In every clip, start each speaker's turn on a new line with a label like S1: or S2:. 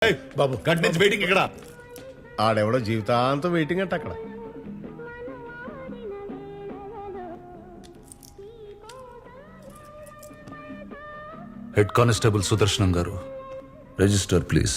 S1: బాబు గంట నుంచి వెయిటింగ్ ఇక్కడ.
S2: ఆడెవడో జీవితాంతం వెయిటింగ్ అంట అక్కడ.
S3: హెడ్ కానిస్టేబుల్ సుదర్శనం గారు, రిజిస్టర్ ప్లీజ్.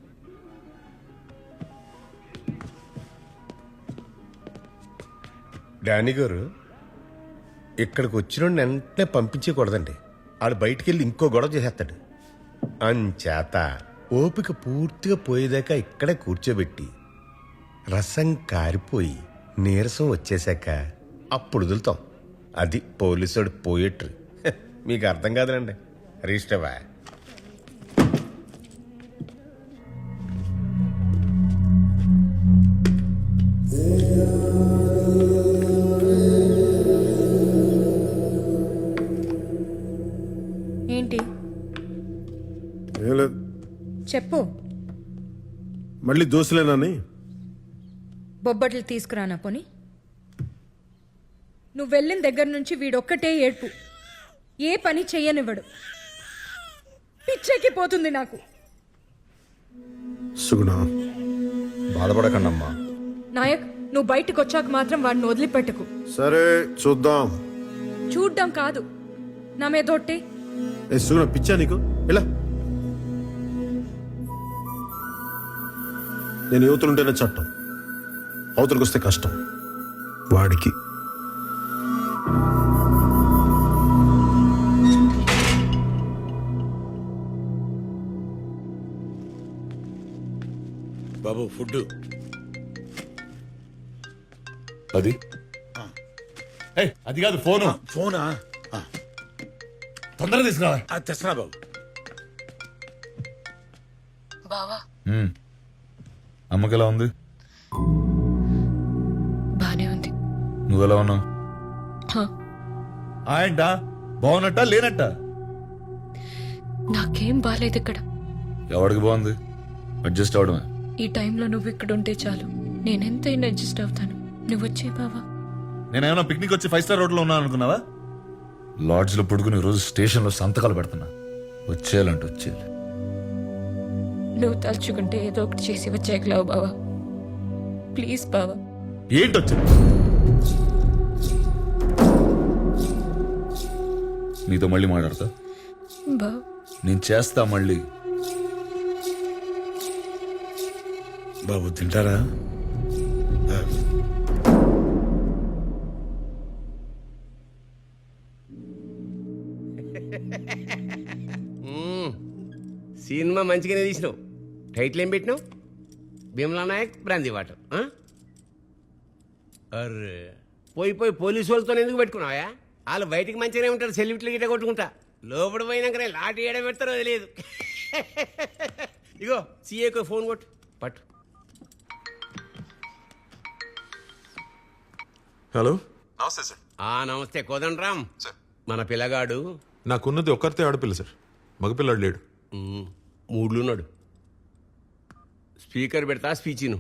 S2: డానీ గారు, ఇక్కడికి వచ్చిన వెంటనే పంపించకూడదండి. ఆడు బయటికి వెళ్ళి ఇంకో గొడవ చేసేస్తాడు. అంచేత ఓపిక పూర్తిగా పోయేదాకా ఇక్కడే కూర్చోబెట్టి రసం కారిపోయి నీరసం వచ్చేసాక అప్పుడు వదులుతాం. అది పోలీసుడు పోయేట్రు. మీకు అర్థం కాదులండి. రిజిస్టర్వా?
S4: ఏంటి చెప్పు.
S5: మళ్ళీ దోశలేనాని?
S4: బొబ్బట్లు తీసుకురానా పోని? నువ్వు వెళ్ళిన దగ్గర నుంచి వీడొక్కటే ఏడ్పు. ఏ పని చెయ్యనివ్వడు. పిచ్చెక్కి పోతుంది నాకు.
S5: సుగుణ,
S1: బాధపడకండమ్మా.
S4: నాయక్, నువ్వు బయటకు వచ్చాక మాత్రం వాడిని వదిలిపెట్టకు.
S5: సరే చూద్దాం.
S4: చూడ్డం కాదు, నా మీదొట్టే.
S5: ఏ సుగుణ, పిచ్చా నీకు? ఇలా నేను యువతులుంటేనే చట్టం, అవతలకు వస్తే కష్టం. వాడికి
S1: బాబు ఫుడ్
S3: అది
S1: అది కాదు, ఫోను.
S6: ఫోనా?
S1: తొందరగా తీసుకురా.
S6: అది తెస్తున్నా బాబు.
S7: బావా,
S3: అమ్మకి ఎలా ఉంది?
S7: బానే ఉంది.
S3: నువ్వెలా ఉన్నావు?
S1: ఆయంట బాగున్నట్ట లేనట్ట?
S7: నాకేం బాలేదు ఇక్కడ.
S3: ఎవడికి బాగుంది? అడ్జస్ట్ అవడమే.
S7: ఈ టైంలో నువ్వు ఇక్కడ ఉంటే చాలు, నేనెంతైనా అడ్జస్ట్ అవుతాను. నువ్వు వచ్చే బావా.
S1: నేనేమన్నా పిక్నిక్ వచ్చి 5 స్టార్ హోటల్లో ఉన్నాను అనుకున్నావా?
S3: లాడ్జ్లో పడుకుని రోజు స్టేషన్లో సంతకాలు పెడుతున్నా. వచ్చేయాలంటే వచ్చేయాలి.
S7: నువ్వు తలుచుకుంటే ఏదో ఒకటి చేసి వచ్చేయగలవు బావా. ప్లీజ్ బావా.
S1: ఏంటి వచ్చింది?
S3: నీతో మళ్ళీ మాట్లాడతా.
S7: బావా,
S3: నేను చేస్తా మళ్ళీ.
S6: బాబు తింటారా?
S8: సినిమా మంచిగానే తీసినావు. టైటిల్ ఏం పెట్టినావు? Bheemla Nayak brandy water. అర్రే, పోయి పోలీసు వాళ్ళతో ఎందుకు పెట్టుకున్నావా? వాళ్ళు బయటికి మంచిగానే ఉంటారు, సెల్యూట్లు గిట్ట కొట్టుకుంటా. లోపల పోయినాకనే లాటి ఏడ పెడతారో తెలియదు. ఇగో సీఏకు ఫోన్ కొట్టు. పట్టు.
S9: హలో,
S6: నమస్తే సార్.
S8: నమస్తే కోదండరామ్.
S9: సార్,
S8: మన పిల్లగాడు
S9: నాకున్నది ఒక్కరితే ఆడపిల్ల సార్. మగపిల్లాడు లేడు.
S8: మూడ్లున్నాడు. స్పీకర్ పెడతా, స్పీచ్.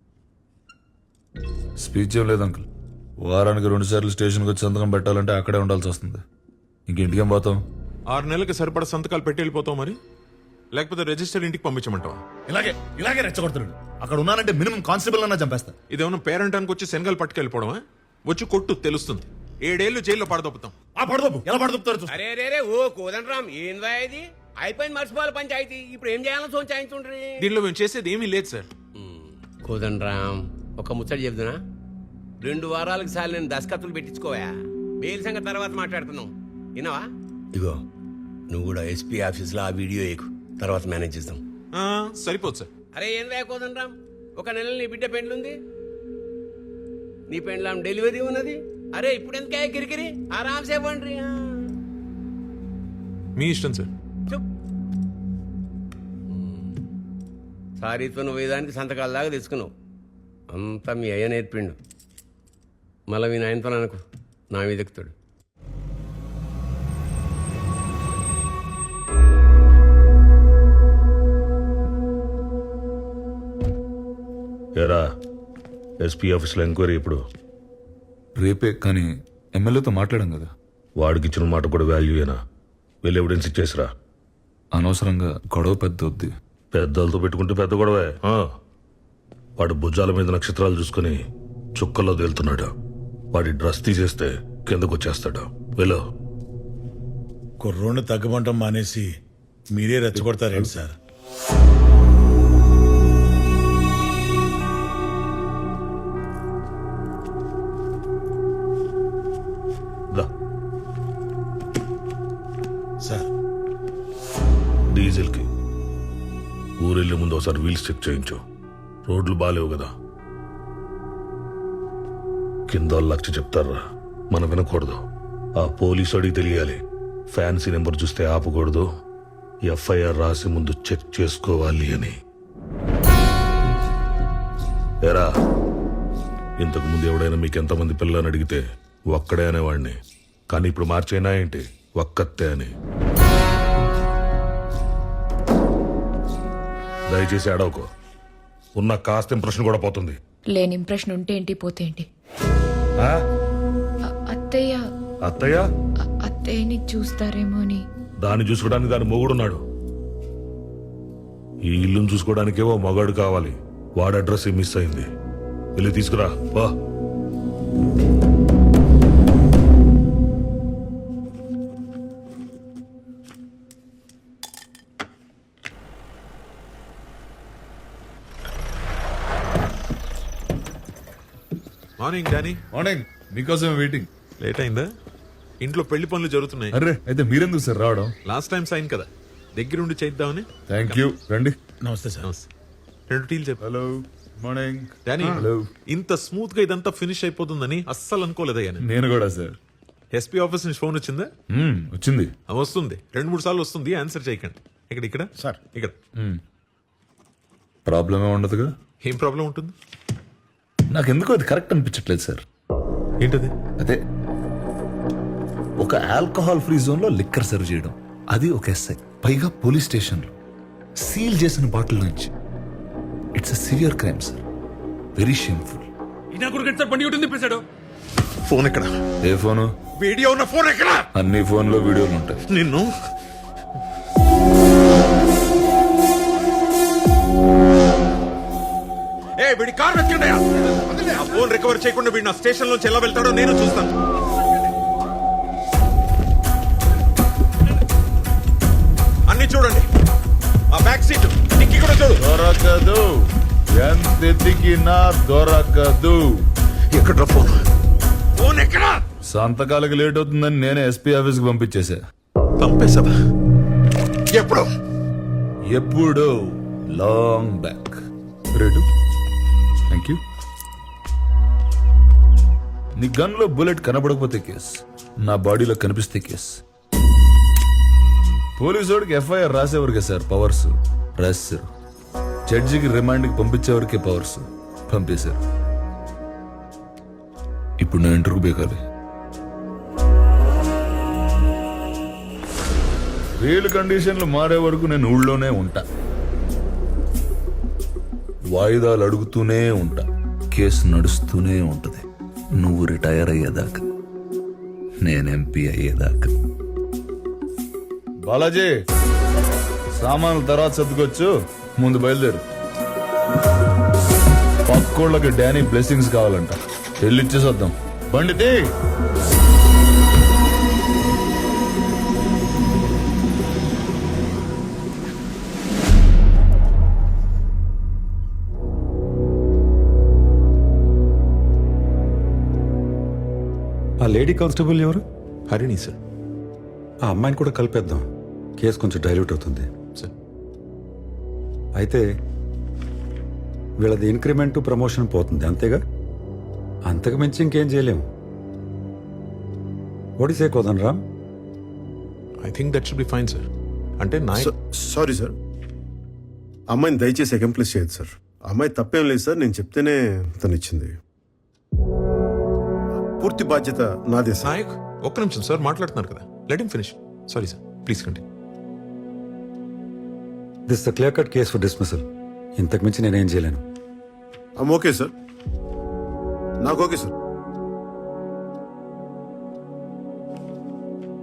S3: స్పీచ్ ఏం లేదు అంకుల్. వారానికి 2 సార్లు స్టేషన్కి వచ్చి సంతకం పెట్టాలంటే అక్కడే ఉండాల్సి వస్తుంది. ఇంకేం పోతాం?
S9: 6 నెలలకి సరిపడా సంతకాలు పెట్టి వెళ్ళిపోతావు మరి, లేకపోతే రిజిస్టర్ ఇంటికి పంపించమంటావా?
S1: ఇలాగే రెచ్చగొడుతున్నాడు. అక్కడ ఉన్నానంటే మినిమం కానిస్టేబుల్ అన్నా చంపేస్తా.
S9: ఇదేమన్నా పేరెంటానికి వచ్చి శనగలు పట్టుకెళ్ళిపోవడమా? వచ్చి కొట్టు, తెలుస్తుంది. 7 ఏళ్ళు జైల్లో పడదొప్పుతాం.
S1: పడదొప్పు. ఎలా పడదొప్పుతారు?
S8: అరే ఓ కోదండరామ్, ఏందా ఇది? అయిపోయింది, మర్చిపోవాలి పంచాయతీ. ఇప్పుడు ఏం చేయాలో సోంచాయించుండ్రి.
S9: దీనిలో మేము చేసేది ఏమీ లేదు సార్.
S8: కోదండరామ్, ఒక ముచ్చట చెబుతున్నా. 2 వారాలకు సార్లు నేను దస్కత్తులు పెట్టించుకోవా. బెయిల్ సంగతి తర్వాత మాట్లాడుతున్నావు, విన్నావా? ఇగో నువ్వు కూడా ఎస్పీ ఆఫీస్లో ఆ వీడియో ఎక్కు, తర్వాత మేనేజ్ చేద్దాం.
S9: సరిపోదు సార్.
S8: అరే ఏం కోదండరామ్, ఒక నెల నీ బిడ్డ పెండ్లుంది, నీ పెండ్లాం డెలివరీ ఉన్నది. అరే ఇప్పుడు ఎందుకే కిరికిరి? ఆరామ్సే పండ్రి.
S9: మీ ఇష్టం సార్.
S8: సారీతో నువ్వు వేదానికి సంతకాల దాకా తెచ్చుకున్నావు. అంతా మీ అయ్య నేర్పిండు. మళ్ళీ మీ నాయనతో అనుకో, నా మీద ఎక్కుతాడు.
S10: ఎరా, ఎస్పీ ఆఫీస్లో ఎంక్వైరీ ఇప్పుడు
S3: రేపే, కానీ ఎమ్మెల్యేతో మాట్లాడాం కదా.
S10: వాడికి ఇచ్చిన మాట కూడా వాల్యూయేనా? వెళ్ళి ఎవిడెన్స్ ఇచ్చేసిరా.
S3: అనవసరంగా గొడవ పెద్ద వద్ది.
S10: పెద్దలతో పెట్టుకుంటే పెద్ద గొడవే వాడి భుజాల మీద నక్షత్రాలు చూసుకుని చుక్కల్లో తేలుతున్నాడు. వాడి డ్రెస్ తీసేస్తే కిందకు వచ్చేస్తాడు. వెళ్ళు.
S5: కుర్రోడ్ని తగ్గమంటం మానేసి మీరే రెచ్చగొడతారేంటి సార్?
S10: దా.
S5: సార్
S10: డీజిల్కి ఊరెళ్ళే ముందు ఒకసారి వీల్స్ చెక్ చేయించు. రోడ్లు బాలేవు కదా. కింద లక్ష చెప్తారా, మనం వినకూడదు. ఆ పోలీసు అడిగి తెలియాలి. ఫ్యాన్సీ నెంబర్ చూస్తే ఆపకూడదు. ఎఫ్ఐఆర్ రాసి ముందు చెక్ చేసుకోవాలి అని. ఎరా, ఇంతకు ముందు ఎవడైనా మీకు ఎంతమంది పిల్లని అడిగితే ఒక్కడే అనేవాడిని. కానీ ఇప్పుడు మార్చైనా ఏంటి, ఒక్కతే అని. దయచేసి అడవకో. ఉన్న కాస్త ఇంప్రెషన్ కూడా పోతుంది.
S7: లేని ఇంప్రెషన్ ఉంటే ఏంటి, పోతే ఏంటి?
S10: ఆ?
S7: అత్తయ్య
S10: అత్తయ్య
S7: అత్తయ్యని చూస్తారేమో అని.
S10: దాన్ని చూసుకోవడానికి దాని మొగుడున్నాడు. ఈ ఇల్లును చూసుకోవడానికే ఓ మగాడు కావాలి. వాడి అడ్రస్ మిస్ అయింది. వెళ్ళి తీసుకురా. వా.
S9: Morning Danny.
S3: మార్నింగ్. మీకోసం వెయిటింగ్.
S9: లేట్ అయిందా? ఇంట్లో పెళ్లి పనులు జరుగుతున్నాయి.
S3: అరే అయితే మీరెందుకు సార్ రావడం?
S9: లాస్ట్ టైం సైన్ కదా, దగ్గరుండి చేద్దామని.
S3: Thank you. రండి.
S5: నమస్తే సార్.
S9: నమస్తే. 2 టీలు చెప్పు.
S3: హలో. మార్నింగ్.
S9: Danny,
S3: hello.
S9: ఇంత స్మూత్ గా ఇదంతా ఫినిష్ అయిపోతుందని అస్సలు అనుకోలేదయ్యా నేను.
S3: నేను కూడా సార్.
S9: ఎస్పీ ఆఫీస్ నుంచి ఫోన్ వచ్చిందా?
S3: వచ్చింది.
S9: వస్తుంది, 2-3 సార్లు వస్తుంది. ఆన్సర్ చేయకండి. ఇక్కడ
S5: సార్.
S9: ఇక్కడ
S3: ప్రాబ్లమే ఉండదుగా.
S9: ఏం ప్రాబ్లం ఉంటుంది?
S3: నాకెందుకో అది కరెక్ట్ అనిపించట్లేదు సార్.
S9: ఏంటది?
S3: అదే ఒక ఆల్కహాల్ ఫ్రీ జోన్ లో లిక్కర్ సర్వ్ చేయడం, అది ఒక ఎస్ఐ, పైగా పోలీస్ స్టేషన్ లో సీల్ చేసిన బాటిల్ నుంచి. It's a severe crime sir. Very shameful.
S9: Phone ఎక్కడ?
S3: ఏ ఫోను?
S9: వీడియో ఉన్న ఫోన్ ఎక్కడ?
S3: అన్ని ఫోన్లో వీడియోలు ఉంటాయి.
S9: నిన్ను వీడి కార్ వెతకండియా. ఆ ఫోన్ రికవర్ చేయకుండా వీడు నా స్టేషన్ లోంచి ఎలా వెళ్తాడో నేను చూస్తాను. అన్ని చూడండి. ఆ బ్యాక్ సీట్ డిక్కీ కూడా చూడు.
S3: దొరకదు. ఎంత ఎతికినా దొరకదు.
S9: ఎక్కడ ఫోన్? ఫోన్ ఎక్కడ?
S3: సంతకాలకు లేట్ అవుతుందని నేనే ఎస్పీ ఆఫీస్ కి పంపించేశా.
S9: పంపేశావా? ఎప్పుడు?
S3: ఎప్పుడు? Long back. Rate? Thank you. నీ గన్ లో బుల్లెట్ కనబడకపోతే కేస్, నా బాడీలో కనిపిస్తే కేస్. పోలీసోడికి ఎఫ్ఐఆర్ రాసేవరకే సార్ పవర్స్, రాశారు. జడ్జికి రిమాండ్కి పంపించేవరకే పవర్స్, పంపేశారు. ఇప్పుడు నా ఇంటర్వ్యూ బేకాలి. వీలు కండిషన్లు మారే వరకు నేను ఊళ్ళోనే ఉంటా. వాయిదాలు అడుగుతూనే ఉంటా. కేసు నడుస్తూనే ఉంటది. నువ్వు రిటైర్ అయ్యేదాకా, నేను ఎంపీ అయ్యేదాకా. బాలాజీ, సామాన్లు తర్వాత సర్దుకొచ్చు, ముందు బయలుదేరు. పక్కోళ్ళకి డానీ బ్లెస్సింగ్స్ కావాలంట. వెళ్ళిచ్చేసి వద్దాం. బండితే
S11: ఆ లేడీ కానిస్టేబుల్ ఎవరు?
S9: హరిణి సార్.
S11: ఆ అమ్మాయిని కూడా కలిపేద్దాం. కేసు కొంచెం డైల్యూట్ అవుతుంది
S9: సార్.
S11: అయితే వీళ్ళది ఇంక్రిమెంట్ ప్రమోషన్ పోతుంది, అంతేగా? అంతకు మించి ఇంకేం చేయలేము. ఒడిసే Kodan Ram.
S9: I think that should be fine sir. అంటే నా
S5: సారీ సార్, అమ్మాయిని దయచేసి అకంప్లిష్ చేయదు సార్. అమ్మాయి తప్పేం లేదు సార్, నేను చెప్తేనే తను ఇచ్చింది. పూర్తి బాధ్యత నాదే సార్.
S9: నాయక్, ఒక్క నిమిషం సార్, మాట్లాడుతున్నారు కదా. Let him finish. Sorry sir, please continue.
S11: This the clear cut case for dismissal. ఇంతకు మించి నేనేం చేయలేను.
S5: ఓకే సార్, నాకు ఓకే సార్.